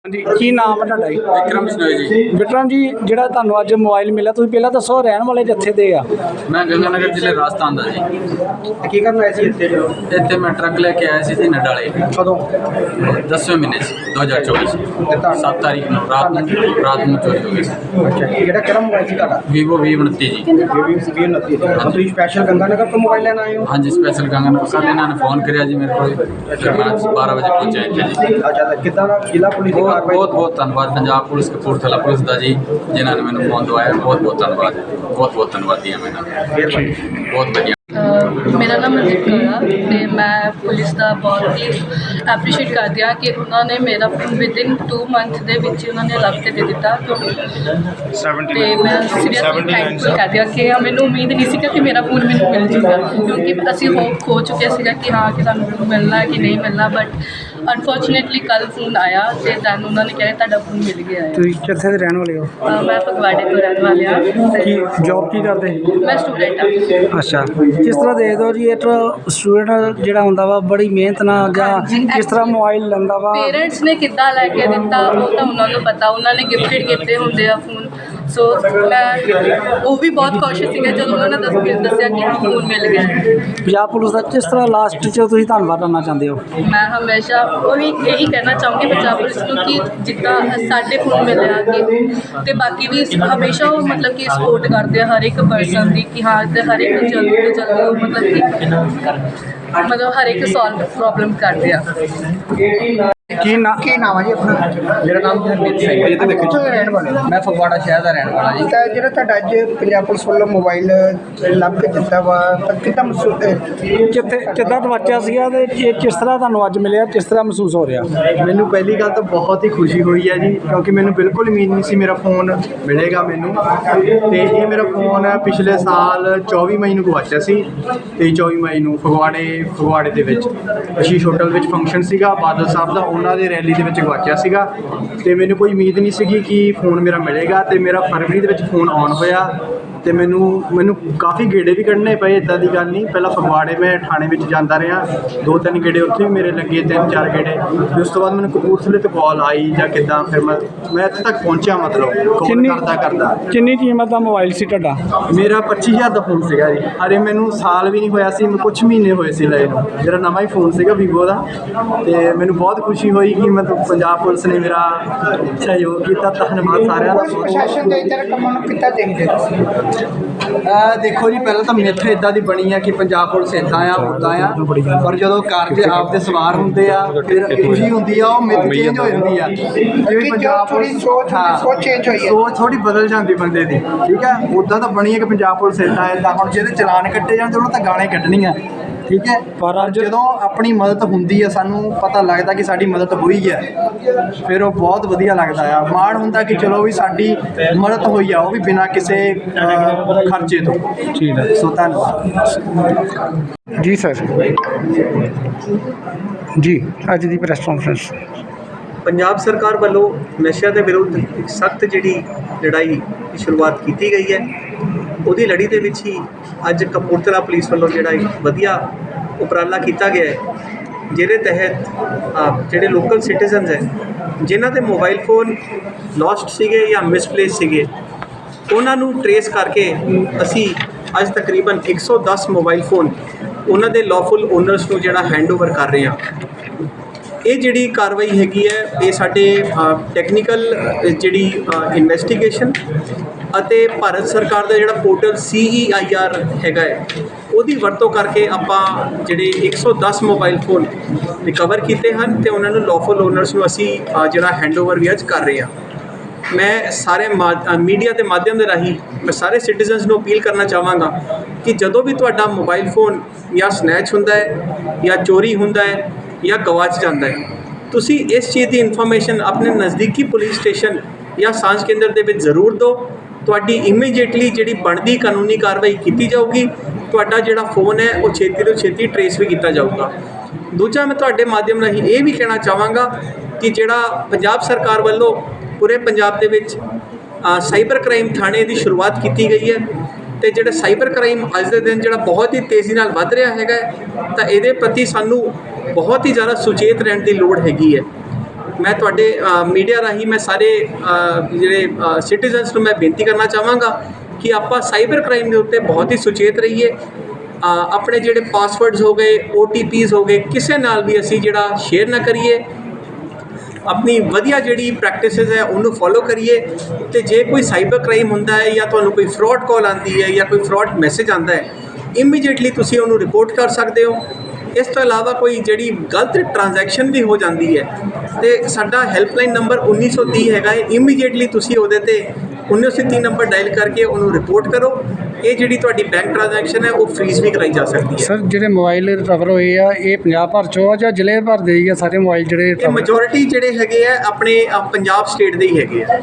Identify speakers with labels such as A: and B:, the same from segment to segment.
A: जी की नाम है ਤੁਹਾਡਾ ਜੀ?
B: विक्रम बिश्नोई जी।
A: ਵਿਕਰਮ ਜੀ ਜਿਹੜਾ ਤੁਹਾਨੂੰ ਅੱਜ ਮੋਬਾਈਲ ਮਿਲਿਆ ਤੁਸੀਂ ਪਹਿਲਾਂ ਦੱਸੋ ਰਹਿਣ ਵਾਲੇ ਜੱਥੇ ਦੇ ਆ?
B: मैं गंगानगर जिले राजस्थान का जी।
A: ਕੀ ਕਰਨ ਆਏ ਸੀ ਇੱਥੇ?
B: इतने मैं ट्रक लेके आया सी नडाले
A: ਕਦੋਂ?
B: 10वें महीने से 2024 7 तारीख को रात में चोरी हो गई।
A: ਅੱਛਾ ਜਿਹੜਾ ਕਿਹੜਾ ਮੋਬਾਈਲ ਸੀ ਤੁਹਾਡਾ?
B: वीवो V29 जी।
A: ਵੀ ਨਤੀ ਤੁਸੀਂ ਸਪੈਸ਼ਲ ਗੰਗਾਨਗਰ ਤੋਂ ਮੋਬਾਈਲ ਲੈਣ ਆਏ ਹੋ?
B: हाँ जी स्पेशल गंगानगर कल इन्होंने फोन कराया जी मेरे को, फिर मैं 12 बजे पहुंचा इतने जी।
A: ਅੱਛਾ ਤਾਂ ਕਿੱਦਾਂ ਦਾ ਜ਼ਿਲ੍ਹਾ ਪੁਲਿਸ ਦੀ
B: बहुत
A: ਕਾਰਵਾਈ?
B: बहुत बहुत धन्यवाद पंजाब पुलिस कपूरथला पुलिस का जी, जिन्होंने मैंने फोन दवाया। बहुत बहुत धन्यवाद, बहुत बहुत धन्यवाद दिया मैंने, बहुत बढ़िया।
C: ਮੇਰਾ ਨਾਮ ਮਨਦੀਪ ਕੌਰ ਆ ਅਤੇ ਮੈਂ ਪੁਲਿਸ ਦਾ ਬਹੁਤ ਹੀ ਐਪਰੀਸ਼ੀਏਟ ਕਰਦੀ ਹਾਂ ਕਿ ਉਹਨਾਂ ਨੇ ਮੇਰਾ ਵਿਦਿਨ 2 ਮੰਥ ਦੇ ਵਿੱਚ ਹੀ ਉਹਨਾਂ ਨੇ ਲੱਭ ਕੇ ਦੇ ਦਿੱਤਾ ਅਤੇ ਮੈਂ ਸੀਰੀਅਸਲੀ ਥੈਂਕਫੁਲ ਕਰਦੀ ਹਾਂ ਕਿ ਮੈਨੂੰ ਉਮੀਦ ਨਹੀਂ ਸੀਗਾ ਕਿ ਮੇਰਾ ਫੋਨ ਮੈਨੂੰ ਮਿਲ ਜੂਗਾ, ਕਿਉਂਕਿ ਅਸੀਂ ਹੋਪ ਖੋ ਚੁੱਕੇ ਸੀਗਾ ਕਿ ਹਾਂ ਕਿ ਸਾਨੂੰ ਫੋਨ ਮਿਲਣਾ ਕਿ ਨਹੀਂ ਮਿਲਣਾ, ਬਟ ਅਨਫੋਰਚੂਨੇਟਲੀ ਕੱਲ੍ਹ ਫੋਨ ਆਇਆ ਅਤੇ ਦੈਨ ਉਹਨਾਂ ਨੇ ਕਿਹਾ ਤੁਹਾਡਾ ਫੋਨ ਮਿਲ ਗਿਆ ਹੈ।
A: ਤੁਸੀਂ ਕਿੱਥੇ ਦੇ ਰਹਿਣ ਵਾਲੇ ਹੋ?
C: ਮੈਂ ਫਗਵਾੜੇ ਤੋਂ ਰਹਿਣ ਵਾਲੀ ਹਾਂ
A: ਕੀ
C: ਅਤੇ
A: ਜੌਬ ਕੀ ਕਰਦੇ?
C: ਮੈਂ ਸਟੂਡੈਂਟ ਹਾਂ।
A: ਅੱਛਾ ਕਿਸ ਤਰ੍ਹਾਂ ਦੇ ਦਿਓ ਜੀ ਇੱਕ ਸਟੂਡੈਂਟ ਜਿਹੜਾ ਹੁੰਦਾ ਵਾ ਬੜੀ ਮਿਹਨਤ ਨਾਲ ਜਾਂ ਕਿਸ ਤਰ੍ਹਾਂ ਮੋਬਾਈਲ ਲੈਂਦਾ ਵਾ?
C: ਪੇਰੈਂਟਸ ਨੇ ਕਿੱਦਾਂ ਲੈ ਕੇ ਦਿੱਤਾ ਉਹ ਤਾਂ ਉਹਨਾਂ ਨੂੰ ਪਤਾ, ਉਹਨਾਂ ਨੇ ਗਿਫਟਡ ਕੀਤੇ ਹੁੰਦੇ ਆ ਫੋਨ। ਸੋ ਮੈਂ ਉਹ ਵੀ ਬਹੁਤ ਖੁਸ਼ ਸੀਗੇ ਜਦੋਂ ਉਹਨਾਂ ਨੇ ਦੱਸਿਆ ਕਿ ਹਾਂ ਫੋਨ ਮਿਲ ਗਿਆ।
A: ਪੰਜਾਬ ਪੁਲਿਸ ਦਾ ਕਿਸ ਤਰ੍ਹਾਂ ਲਾਸਟ 'ਚ ਤੁਸੀਂ ਧੰਨਵਾਦ ਕਰਨਾ ਚਾਹੁੰਦੇ ਹੋ?
C: ਮੈਂ ਹਮੇਸ਼ਾ ਉਹੀ ਇਹੀ ਕਹਿਣਾ ਚਾਹੂੰਗੀ ਪੰਜਾਬ ਪੁਲਿਸ ਨੂੰ ਕਿ ਜਿੱਦਾਂ ਸਾਡੇ ਫੋਨ ਮਿਲਿਆ ਕਿ ਅਤੇ ਬਾਕੀ ਵੀ ਹਮੇਸ਼ਾ ਉਹ ਮਤਲਬ ਕਿ ਸਪੋਰਟ ਕਰਦੇ ਆ ਹਰ ਇੱਕ ਪਰਸਨ ਦੀ ਕਿ ਹਾਂ ਅਤੇ ਹਰ ਇੱਕ ਜਲਦੀ ਤੋਂ ਜਲਦੀ ਉਹ ਮਤਲਬ ਹਰ ਇੱਕ ਸੋਲਵ ਪ੍ਰੋਬਲਮ ਕਰਦੇ ਆ।
A: ਕੀ ਨਾਮ ਹੈ ਜੀ ਆਪਣਾ?
B: मेरा नाम हरमीत सिंह है जी।
A: ਕਿੱਥੋਂ ਦੇ ਰਹਿਣ ਵਾਲੇ ਹੋ?
B: मैं फगवाड़ा शहर का रहने वाला जी।
A: ਤਾਂ ਜਿਹੜਾ ਤੁਹਾਡਾ ਅੱਜ ਪੰਜਾਬ ਪੁਲਿਸ ਵੱਲੋਂ ਮੋਬਾਈਲ ਲੱਭ ਕੇ ਦਿੱਤਾ ਵਾ ਤਾਂ ਕਿੱਦਾਂ ਮਹਿਸੂਸ ਕਿੱਦਾਂ ਤਵੱਚਾ ਸੀਗਾ ਤੇ ਇਹ ਕਿਸ ਤਰ੍ਹਾਂ ਤੁਹਾਨੂੰ ਅੱਜ ਮਿਲਿਆ, ਕਿਸ ਤਰ੍ਹਾਂ ਮਹਿਸੂਸ ਹੋ ਰਿਹਾ?
D: ਮੈਨੂੰ ਪਹਿਲੀ ਗੱਲ ਤਾਂ ਬਹੁਤ ਹੀ ਖੁਸ਼ੀ ਹੋਈ ਹੈ ਜੀ, ਕਿਉਂਕਿ ਮੈਨੂੰ ਬਿਲਕੁਲ ਉਮੀਦ ਨਹੀਂ ਸੀ ਮੇਰਾ ਫੋਨ ਮਿਲੇਗਾ ਮੈਨੂੰ। ਤੇ ਇਹ ਮੇਰਾ ਫੋਨ ਪਿਛਲੇ ਸਾਲ 24 ਮਈ ਨੂੰ ਗਵਾਚਿਆ ਸੀ, ਤੇ 24 ਮਈ ਨੂੰ ਫਗਵਾੜੇ ਦੇ ਵਿੱਚ ਅਸ਼ੀਸ਼ ਹੋਟਲ ਵਿੱਚ ਫੰਕਸ਼ਨ ਸੀਗਾ ਬਾਦਲ ਸਾਹਿਬ ਦਾ, ਉਹਨਾਂ ਦੇ ਰੈਲੀ ਦੇ ਵਿੱਚ ਗਵਾਚਿਆ ਸੀਗਾ। ਤੇ ਮੈਨੂੰ ਕੋਈ ਉਮੀਦ ਨਹੀਂ ਸੀਗੀ ਕਿ ਫੋਨ ਮੇਰਾ ਮਿਲੇਗਾ, ਤੇ ਮੇਰਾ ਫਰਵਰੀ ਦੇ ਵਿੱਚ ਫੋਨ ਆਨ ਹੋਇਆ। ਤੇ ਮੈਨੂੰ ਕਾਫੀ ਗੇੜੇ ਵੀ ਕੱਢਣੇ ਪਏ, ਇੱਦਾਂ ਦੀ ਗੱਲ ਨਹੀਂ। ਪਹਿਲਾਂ ਫਗਵਾੜੇ ਮੈਂ ਥਾਣੇ ਵਿੱਚ ਜਾਂਦਾ ਰਿਹਾ, 2-3 ਗੇੜੇ ਉੱਥੇ ਵੀ ਮੇਰੇ ਲੱਗੇ, 3-4 ਗੇੜੇ। ਉਸ ਤੋਂ ਬਾਅਦ ਮੈਨੂੰ ਕਪੂਰਥਲੇ ਤੋਂ ਕਾਲ ਆਈ ਜਾਂ ਕਿੱਦਾਂ, ਫਿਰ ਮੈਂ ਇੱਥੇ ਤੱਕ ਪਹੁੰਚਿਆ, ਮਤਲਬ ਕਾਲ ਕਰਦਾ।
A: ਕਿੰਨੀ ਕੀਮਤ ਦਾ ਮੋਬਾਈਲ ਸੀ ਤੁਹਾਡਾ?
D: ਮੇਰਾ 25,000 ਦਾ ਫੋਨ ਸੀਗਾ ਜੀ। ਅਰੇ ਮੈਨੂੰ ਸਾਲ ਵੀ ਨਹੀਂ ਹੋਇਆ ਸੀ, ਮੈਂ ਕੁਛ ਮਹੀਨੇ ਹੋਏ ਸੀ ਲਏ ਨੂੰ। ਮੇਰਾ ਨਵਾਂ ਹੀ ਫੋਨ ਸੀਗਾ ਵੀਵੋ ਦਾ, ਤੇ ਮੈਨੂੰ ਬਹੁਤ ਖੁਸ਼ੀ ਹੋਈ ਕਿ ਮਤਲਬ ਪੰਜਾਬ ਪੁਲਿਸ ਨੇ ਮੇਰਾ ਸਹਿਯੋਗ ਕੀਤਾ। ਧੰਨਵਾਦ ਸਾਰਿਆਂ ਦਾ।
A: ਪ੍ਰਸ਼ਾਸਨ ਦੇ ਇੱਧਰ ਕੰਮਾਂ ਨੂੰ ਕਿੱਦਾਂ ਦੇਖਦੇ ਹੋ?
D: ਦੇਖੋ ਜੀ, ਪਹਿਲਾਂ ਤਾਂ ਮਿੱਥ ਇੱਦਾਂ ਦੀ ਬਣੀ ਆ ਕਿ ਪੰਜਾਬ ਪੁਲਿਸ ਇੱਦਾਂ ਆ ਉੱਦਾਂ ਆ, ਪਰ ਜਦੋਂ ਕਾਰਜ ਆਪ ਦੇ ਸਵਾਰ ਹੁੰਦੇ ਆ ਫਿਰ ਖੁਸ਼ੀ ਹੁੰਦੀ ਆ, ਉਹ ਮਿੱਥ ਚੇਂਜ ਹੋ ਜਾਂਦੀ ਆ। ਜਿਵੇਂ ਪੰਜਾਬ ਪੁਲਿਸ ਸੋਚ ਚੇਂਜ ਹੋਈ ਹੈ, ਸੋਚ ਥੋੜੀ ਬਦਲ ਜਾਂਦੀ ਬੰਦੇ ਦੀ, ਠੀਕ ਹੈ। ਉੱਦਾਂ ਤਾਂ ਬਣੀ ਹੈ ਕਿ ਪੰਜਾਬ ਪੁਲਿਸ ਇੱਦਾਂ ਹੁਣ ਜਿਹਦੇ ਚਲਾਨ ਕੱਟੇ ਜਾਂਦੇ ਉਹਨਾਂ ਤਾਂ ਗਾਣੇ ਕੱਢਣੀਆਂ, ਠੀਕ ਹੈ। ਪਰ ਜਦੋਂ ਆਪਣੀ ਮਦਦ ਹੁੰਦੀ ਹੈ, ਸਾਨੂੰ ਪਤਾ ਲੱਗਦਾ ਕਿ ਸਾਡੀ ਮਦਦ ਹੋਈ ਹੈ, ਫਿਰ ਉਹ ਬਹੁਤ ਵਧੀਆ ਲੱਗਦਾ ਆ। ਮਾਣ ਹੁੰਦਾ ਕਿ ਚਲੋ ਵੀ ਸਾਡੀ ਮਦਦ ਹੋਈ ਆ, ਉਹ ਵੀ ਬਿਨਾਂ ਕਿਸੇ ਖਰਚੇ ਤੋਂ।
A: ਠੀਕ ਹੈ,
D: ਸੋ ਧੰਨਵਾਦ
A: ਜੀ ਸਰ। ਜੀ ਅੱਜ ਦੀ ਪ੍ਰੈਸ ਕਾਨਫਰੰਸ।
E: ਪੰਜਾਬ ਸਰਕਾਰ ਵੱਲੋਂ ਨਸ਼ਿਆਂ ਦੇ ਵਿਰੁੱਧ ਇੱਕ ਸਖਤ ਜਿਹੜੀ ਲੜਾਈ ਦੀ ਸ਼ੁਰੂਆਤ ਕੀਤੀ ਗਈ ਹੈ, ਉਹਦੀ ਲੜੀ ਦੇ ਵਿੱਚ ਹੀ ਅੱਜ ਕਪੂਰਥਲਾ ਪੁਲਿਸ ਵੱਲੋਂ ਜਿਹੜਾ ਇੱਕ ਵਧੀਆ ਉਪਰਾਲਾ ਕੀਤਾ ਗਿਆ ਹੈ, ਜਿਹਦੇ ਤਹਿਤ ਜਿਹੜੇ ਲੋਕਲ ਸਿਟੀਜ਼ਨਸ ਹੈ ਜਿਨ੍ਹਾਂ ਦੇ ਮੋਬਾਈਲ ਫੋਨ ਲੋਸਟ ਸੀਗੇ ਜਾਂ ਮਿਸਪਲੇਸ ਸੀਗੇ, ਉਹਨਾਂ ਨੂੰ ਟਰੇਸ ਕਰਕੇ ਅਸੀਂ ਅੱਜ ਤਕਰੀਬਨ 110 ਮੋਬਾਈਲ ਫੋਨ ਉਹਨਾਂ ਦੇ ਲੌਫੁਲ ਓਨਰਸ ਨੂੰ ਜਿਹੜਾ ਹੈਂਡਓਵਰ ਕਰ ਰਹੇ ਹਾਂ। ਇਹ ਜਿਹੜੀ ਕਾਰਵਾਈ ਹੈਗੀ ਹੈ, ਇਹ ਸਾਡੇ ਟੈਕਨੀਕਲ ਜਿਹੜੀ ਇਨਵੈਸਟੀਗੇਸ਼ਨ ਅਤੇ ਭਾਰਤ ਸਰਕਾਰ ਦਾ ਜਿਹੜਾ ਪੋਰਟਲ CEIR ਹੈਗਾ ਹੈ, ਉਹਦੀ ਵਰਤੋਂ ਕਰਕੇ ਆਪਾਂ ਜਿਹੜੇ 110 ਮੋਬਾਈਲ ਫੋਨ ਰਿਕਵਰ ਕੀਤੇ ਹਨ ਤੇ ਉਹਨਾਂ ਨੂੰ ਲੌਫੁਲ ਓਨਰਸ ਨੂੰ ਅਸੀਂ ਜਿਹੜਾ ਹੈਂਡਓਵਰ ਵੀ ਅੱਜ ਕਰ ਰਹੇ ਹਾਂ। ਮੈਂ ਸਾਰੇ ਮੀਡੀਆ ਦੇ ਮਾਧਿਅਮ ਦੇ ਰਾਹੀਂ ਮੈਂ ਸਾਰੇ ਸਿਟੀਜ਼ਨਸ ਨੂੰ ਅਪੀਲ ਕਰਨਾ ਚਾਹਾਂਗਾ ਕਿ ਜਦੋਂ ਵੀ ਤੁਹਾਡਾ ਮੋਬਾਈਲ ਫੋਨ ਜਾਂ ਸਨੈਚ ਹੁੰਦਾ ਹੈ ਜਾਂ ਚੋਰੀ ਹੁੰਦਾ ਹੈ ਜਾਂ ਗਵਾਚ ਜਾਂਦਾ ਹੈ, ਤੁਸੀਂ ਇਸ ਚੀਜ਼ ਦੀ ਇਨਫੋਰਮੇਸ਼ਨ ਆਪਣੇ ਨਜ਼ਦੀਕੀ ਪੁਲਿਸ ਸਟੇਸ਼ਨ ਜਾਂ ਸਾਂਝ ਕੇਂਦਰ ਦੇ ਵਿੱਚ ਜ਼ਰੂਰ ਦਿਓ। ਤੁਹਾਡੀ ਇਮੀਡੀਏਟਲੀ ਜਿਹੜੀ ਬਣਦੀ ਕਾਨੂੰਨੀ ਕਾਰਵਾਈ ਕੀਤੀ ਜਾਊਗੀ। ਤੁਹਾਡਾ ਜਿਹੜਾ ਫੋਨ ਹੈ ਉਹ ਛੇਤੀ ਤੋਂ ਛੇਤੀ ਟਰੇਸ ਵੀ ਕੀਤਾ ਜਾਊਗਾ। ਦੂਜਾ, ਮੈਂ ਤੁਹਾਡੇ ਮਾਧਿਅਮ ਰਾਹੀਂ ਇਹ ਵੀ ਕਹਿਣਾ ਚਾਹਾਂਗਾ ਕਿ ਜਿਹੜਾ ਪੰਜਾਬ ਸਰਕਾਰ ਵੱਲੋਂ ਪੂਰੇ ਪੰਜਾਬ ਦੇ ਵਿੱਚ ਸਾਈਬਰ ਕ੍ਰਾਈਮ ਥਾਣੇ ਦੀ ਸ਼ੁਰੂਆਤ ਕੀਤੀ ਗਈ ਹੈ, ਤੇ ਜਿਹੜਾ ਸਾਈਬਰ ਕ੍ਰਾਈਮ ਅੱਜ ਦੇ ਦਿਨ ਜਿਹੜਾ ਬਹੁਤ ਹੀ ਤੇਜ਼ੀ ਨਾਲ ਵੱਧ ਰਿਹਾ ਹੈਗਾ, ਤਾਂ ਇਹਦੇ ਪ੍ਰਤੀ ਸਾਨੂੰ ਬਹੁਤ ਹੀ ਜ਼ਿਆਦਾ ਸੁਚੇਤ ਰਹਿਣ ਦੀ ਲੋੜ ਹੈਗੀ ਹੈ। ਮੈਂ ਤੁਹਾਡੇ ਮੀਡੀਆ ਰਾਹੀਂ ਮੈਂ ਸਾਰੇ ਜਿਹੜੇ ਸਿਟੀਜ਼ਨਸ ਨੂੰ ਮੈਂ ਬੇਨਤੀ ਕਰਨਾ ਚਾਹਾਂਗਾ ਕਿ ਆਪਾਂ ਸਾਈਬਰ ਕ੍ਰਾਈਮ ਦੇ ਉੱਤੇ ਬਹੁਤ ਹੀ ਸੁਚੇਤ ਰਹੀਏ। ਆਪਣੇ ਜਿਹੜੇ ਪਾਸਵਰਡਸ ਹੋ ਗਏ, OTPs ਹੋ ਗਏ, ਕਿਸੇ ਨਾਲ ਵੀ ਅਸੀਂ ਜਿਹੜਾ ਸ਼ੇਅਰ ਨਾ ਕਰੀਏ। ਆਪਣੀ ਵਧੀਆ ਜਿਹੜੀ ਪ੍ਰੈਕਟਿਸਿਸ ਹੈ ਉਹਨੂੰ ਫੋਲੋ ਕਰੀਏ। ਤੇ ਜੇ ਕੋਈ ਸਾਈਬਰ ਕ੍ਰਾਈਮ ਹੁੰਦਾ ਹੈ ਜਾਂ ਤੁਹਾਨੂੰ ਕੋਈ ਫਰਾਡ ਕਾਲ ਆਉਂਦੀ ਹੈ ਜਾਂ ਕੋਈ ਫਰਾਡ ਮੈਸੇਜ ਆਉਂਦਾ ਹੈ, ਇਮੀਡੀਏਟਲੀ ਤੁਸੀਂ ਉਹਨੂੰ ਰਿਪੋਰਟ ਕਰ ਸਕਦੇ ਹੋ। ਇਸ ਤੋਂ ਇਲਾਵਾ ਕੋਈ ਜਿਹੜੀ ਗਲਤ ਟ੍ਰਾਂਜੈਕਸ਼ਨ ਵੀ ਹੋ ਜਾਂਦੀ ਹੈ ਤੇ ਸਾਡਾ ਹੈਲਪਲਾਈਨ ਨੰਬਰ 1930 ਹੈਗਾ ਹੈ। ਇਮੀਡੀਏਟਲੀ ਤੁਸੀਂ ਉਹਦੇ ਤੇ 1930 ਨੰਬਰ ਡਾਇਲ ਕਰਕੇ ਉਹਨੂੰ ਰਿਪੋਰਟ ਕਰੋ। ਇਹ ਜਿਹੜੀ ਤੁਹਾਡੀ ਬੈਂਕ ਟ੍ਰਾਂਜੈਕਸ਼ਨ ਹੈ ਉਹ ਫ੍ਰੀਜ਼ ਵੀ ਕਰਾਈ ਜਾ ਸਕਦੀ ਹੈ।
A: ਸਰ ਜਿਹੜੇ ਮੋਬਾਈਲ ਰਿਕਵਰ ਹੋਏ ਆ ਇਹ ਪੰਜਾਬ ਭਰ ਚੋਂ ਆ ਜਾਂ ਜ਼ਿਲ੍ਹੇ ਭਰ ਦੇ ਹੀ ਆ ਸਾਰੇ ਮੋਬਾਈਲ ਜਿਹੜੇ
E: ਇਹ ਮੈਜੋਰਿਟੀ ਜਿਹੜੇ ਹੈਗੇ ਆ ਆਪਣੇ ਪੰਜਾਬ ਸਟੇਟ ਦੇ ਹੀ ਹੈਗੇ ਆ।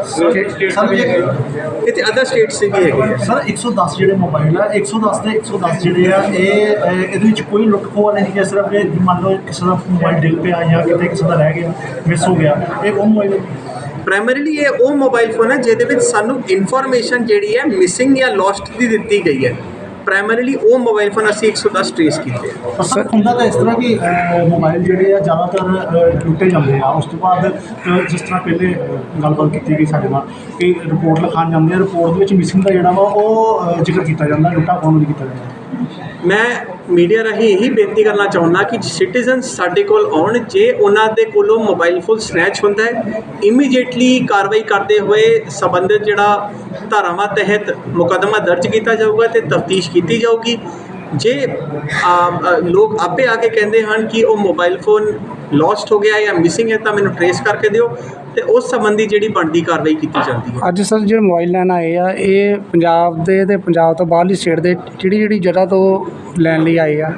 E: ਇਹ ਤੇ ਅਦਰ ਸਟੇਟਸ ਦੇ ਵੀ ਹੈਗੇ ਆ।
F: ਸਰ 110 ਜਿਹੜੇ ਮੋਬਾਈਲ ਆ 110 ਦੇ 110 ਜਿਹੜੇ ਆ ਇਹਦੇ ਵਿੱਚ ਕੋਈ ਲੁੱਟ ਖੋਹ ਵਾਲੇ ਨਹੀਂ, ਸਿਰਫ ਇਹ ਮੰਨ ਲਓ ਕਿਸੇ ਦਾ ਮੋਬਾਈਲ ਡਿੱਗ ਪਿਆ ਜਾਂ ਕਿਤੇ ਕਿਸੇ ਦਾ ਰਹਿ ਗਿਆ, ਮਿਸ ਹੋ ਗਿਆ, ਇਹ ਉਹ ਮੋਬਾਈਲ
E: ਪ੍ਰਾਇਮਰੀਲੀ ਇਹ ਉਹ ਮੋਬਾਈਲ ਫੋਨ ਹੈ ਜਿਹਦੇ ਵਿੱਚ ਸਾਨੂੰ ਇਨਫੋਰਮੇਸ਼ਨ ਜਿਹੜੀ ਹੈ ਮਿਸਿੰਗ ਜਾਂ ਲੋਸਟ ਦੀ ਦਿੱਤੀ ਗਈ ਹੈ। ਪ੍ਰਾਇਮਰੀਲੀ ਉਹ ਮੋਬਾਈਲ ਫੋਨ ਅਸੀਂ 110 ਟ੍ਰੇਸ ਕੀਤੇ ਆ।
F: ਸਰ ਹੁੰਦਾ ਤਾਂ ਇਸ ਤਰ੍ਹਾਂ ਕਿ ਮੋਬਾਈਲ ਜਿਹੜੇ ਆ ਜ਼ਿਆਦਾਤਰ ਲੁੱਟੇ ਜਾਂਦੇ ਆ। ਉਸ ਤੋਂ ਬਾਅਦ ਜਿਸ ਤਰ੍ਹਾਂ ਪਹਿਲੇ ਗੱਲਬਾਤ ਕੀਤੀ ਗਈ ਸਾਡੇ ਨਾਲ ਕਿ ਰਿਪੋਰਟ ਲਿਖਾਉਣ ਜਾਂਦੇ ਆ, ਰਿਪੋਰਟ ਦੇ ਵਿੱਚ ਮਿਸਿੰਗ ਦਾ ਜਿਹੜਾ ਵਾ ਉਹ ਜ਼ਿਕਰ ਕੀਤਾ ਜਾਂਦਾ, ਲੁੱਟਾ ਖੋਹ ਨਹੀਂ ਕੀਤਾ ਜਾਂਦਾ।
E: ਮੈਂ ਮੀਡੀਆ ਰਾਹੀਂ ਇਹੀ ਬੇਨਤੀ ਕਰਨਾ ਚਾਹੁੰਦਾ ਕਿ ਸਿਟੀਜ਼ਨਸ ਸਾਡੇ ਕੋਲ ਆਉਣ। ਜੇ ਉਹਨਾਂ ਦੇ ਕੋਲੋਂ ਮੋਬਾਈਲ ਫੋਨ ਸਨੈਚ ਹੁੰਦਾ ਹੈ, ਇਮੀਡੀਏਟਲੀ ਕਾਰਵਾਈ ਕਰਦੇ ਹੋਏ ਸੰਬੰਧਿਤ ਜਿਹੜਾ ਧਾਰਾਵਾਂ ਤਹਿਤ ਮੁਕੱਦਮਾ ਦਰਜ ਕੀਤਾ ਜਾਊਗਾ ਤੇ ਤਫਤੀਸ਼ ਕੀਤੀ ਜਾਊਗੀ। ਜੇ ਲੋਕ ਆਪੇ ਆ ਕੇ ਕਹਿੰਦੇ ਹਨ ਕਿ ਉਹ ਮੋਬਾਈਲ ਫੋਨ ਲੋਸਟ ਹੋ ਗਿਆ ਜਾਂ ਮਿਸਿੰਗ ਹੈ ਤਾਂ ਮੈਨੂੰ ਟਰੇਸ ਕਰਕੇ ਦਿਓ ਤੇ ਉਸ ਸੰਬੰਧੀ ਜਿਹੜੀ ਬਣਦੀ ਕਾਰਵਾਈ ਕੀਤੀ ਜਾਂਦੀ ਹੈ।
A: ਅੱਜ ਸਰ ਜਿਹੜੇ ਮੋਬਾਈਲ ਲੈਣ ਆਏ ਆ ਇਹ ਪੰਜਾਬ ਦੇ ਤੇ ਪੰਜਾਬ ਤੋਂ ਬਾਹਰਲੀ ਸਟੇਟ ਦੇ ਜਿਹੜੀ ਜਗ੍ਹਾ ਤੋਂ ਲੈਣ ਲਈ ਆਏ ਆ?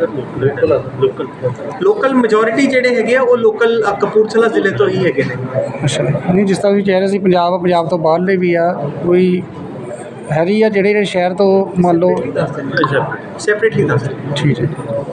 E: ਲੋਕਲ ਮੈਜੋਰਿਟੀ ਜਿਹੜੇ ਹੈਗੇ ਆ ਉਹ ਲੋਕਲ ਕਪੂਰਥਲਾ ਜ਼ਿਲ੍ਹੇ ਤੋਂ ਹੀ ਹੈਗੇ ਨੇ।
A: ਅੱਛਾ ਨਹੀਂ, ਜਿਸ ਤਰ੍ਹਾਂ ਵੀ ਕਹਿ ਰਹੇ ਸੀ ਪੰਜਾਬ ਤੋਂ ਬਾਹਰਲੇ ਵੀ ਆ, ਕੋਈ ਹੈਰੀ ਆ ਜਿਹੜੇ ਸ਼ਹਿਰ ਤੋਂ ਮੰਨ ਲਓ?
E: ਸੈਪਰੇਟਲੀ ਦੱਸ ਦਿਓ।
A: ਠੀਕ ਹੈ।